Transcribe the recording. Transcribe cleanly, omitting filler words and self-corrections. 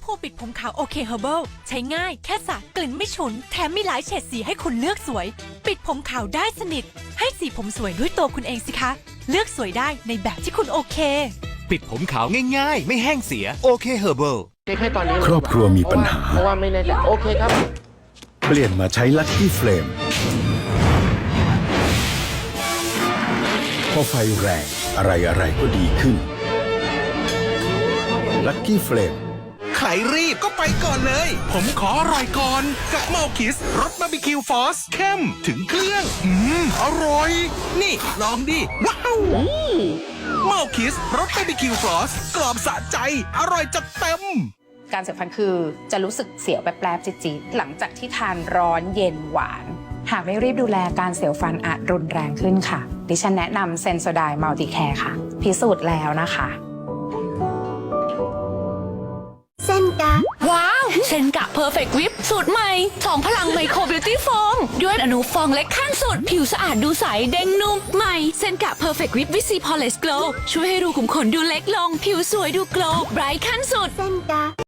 พูปิดผมขาวโอเคเฮอร์เบิลใช้ง่ายแค่สระกลิ่นไม่ฉุนแถมมีหลายเฉดสีให้คุณเลือกสวยปิดผมขาวได้สนิทให้สีผมสวยด้วยตัวคุณเองสิคะเลือกสวยได้ในแบบที่คุณโอเคปิดผมขาวง่ายๆไม่แห้งเสียโอเคเฮอร์เบิลให้ตอนนี้ครอบครัวมีปัญหาเพราะว่าไม่แน่ใจโอเคครับเปลี่ยนมาใช้ลัคกี้เฟลมพอไฟแรงอะไรก็ดีขึ้นลัคกี้เฟลมใครรีบก็ไปก่อนเลย ผมขออร่อยก่อนกับเมาคิสรสบาร์บีคิวฟอสเข้มถึงเครื่องอร่อย นี่ลองดิ ว้าวเมาคิสรสบาร์บีคิวฟอสกรอบสะใจ อร่อยจัดเต็มการเสียวฟันคือจะรู้สึกเสียวแป๊บๆจี๊ดๆหลังจากที่ทานร้อนเย็นหวาน หากไม่รีบดูแลการเสียวฟันอาจรุนแรงขึ้นค่ะ ดิฉันแนะนำเซนโซไดมัลติแคร์ค่ะ พิสูจน์แล้วนะคะเส้นกะว้าวเซนกะเพอร์เฟกต์วิปสูตรใหม่2พลังไมโครบิวตี้โฟมด้วยอนุฟองเล็กขั้นสุดผิวสะอาดดูใสเด้งนุ่มใหม่เซนกะเพอร์เฟกต์วิปวิซีพอลิสโกลช่วยให้รูขุมขนดูเล็กลงผิวสวยดูโกลว์ไบรท์ขั้นสุดเส้นกะ